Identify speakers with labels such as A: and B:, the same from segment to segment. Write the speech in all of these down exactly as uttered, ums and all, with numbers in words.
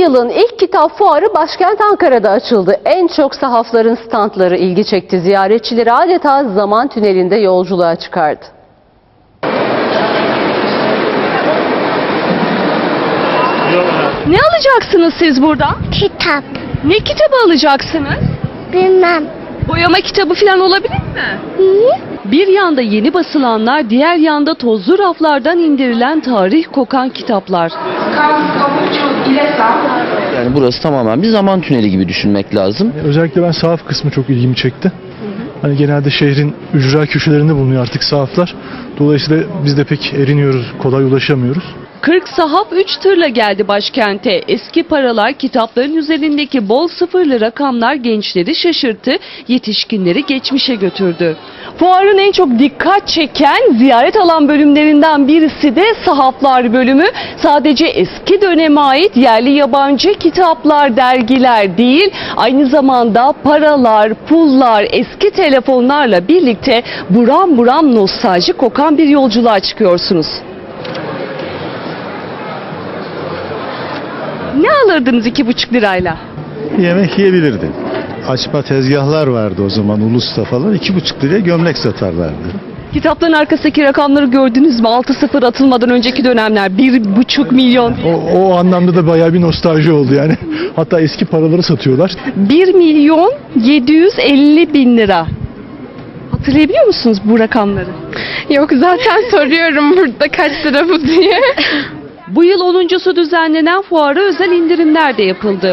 A: yılın ilk kitap fuarı başkent Ankara'da açıldı. En çok sahafların standları ilgi çekti. Ziyaretçileri adeta zaman tünelinde yolculuğa çıkardı.
B: Ne alacaksınız siz buradan?
C: Kitap.
B: Ne kitabı alacaksınız?
C: Bilmem.
B: Boyama kitabı falan olabilir mi?
C: Hı?
B: Bir yanda yeni basılanlar, diğer yanda tozlu raflardan indirilen tarih kokan kitaplar.
D: Yani burası tamamen bir zaman tüneli gibi düşünmek lazım.
E: Özellikle ben sahaf kısmı çok ilgimi çekti. Hani genelde şehrin ücra köşelerinde bulunuyor artık sahaflar. Dolayısıyla biz de pek eriniyoruz, kolay ulaşamıyoruz.
B: kırk sahaf üç tırla geldi başkente. Eski paralar, kitapların üzerindeki bol sıfırlı rakamlar gençleri şaşırttı, yetişkinleri geçmişe götürdü. Fuarın en çok dikkat çeken ziyaret alan bölümlerinden birisi de sahaflar bölümü. Sadece eski döneme ait yerli yabancı kitaplar, dergiler değil, aynı zamanda paralar, pullar, eski telefonlarla birlikte buram buram nostalji kokan bir yolculuğa çıkıyorsunuz. Ne alırdınız iki buçuk lirayla?
F: Yemek yiyebilirdin. Açma tezgahlar vardı o zaman Ulus'ta falan. iki buçuk liraya gömlek satarlardı.
B: Kitapların arkasındaki rakamları gördünüz mü? altı sıfır atılmadan önceki dönemler bir buçuk milyon.
E: O, o anlamda da bayağı bir nostalji oldu yani. Hatta eski paraları satıyorlar.
B: bir milyon yedi yüz elli bin lira. Hatırlayabiliyor musunuz bu rakamları?
G: Yok, zaten soruyorum burada kaç lira bu diye.
B: Bu yıl onuncusu düzenlenen fuara özel indirimler de yapıldı.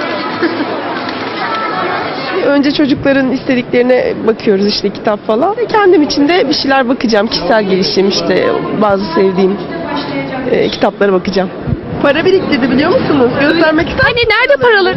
G: Önce çocukların istediklerine bakıyoruz, işte kitap falan. Kendim için de bir şeyler bakacağım. Kişisel gelişim, işte bazı sevdiğim e, kitaplara bakacağım. Para biriktirdi, biliyor musunuz? Göstermek ister
B: Hani nerede paraları?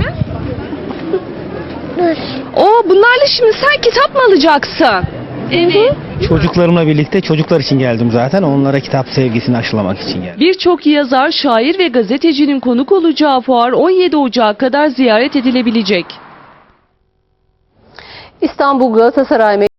C: Dur.
B: Oo, bunlarla şimdi sen kitap mı alacaksın? Evet.
H: Çocuklarımla birlikte çocuklar için geldim zaten. Onlara kitap sevgisini aşılamak için geldim.
B: Birçok yazar, şair ve gazetecinin konuk olacağı fuar on yedi Ocağı kadar ziyaret edilebilecek.
A: İstanbul Galatasaray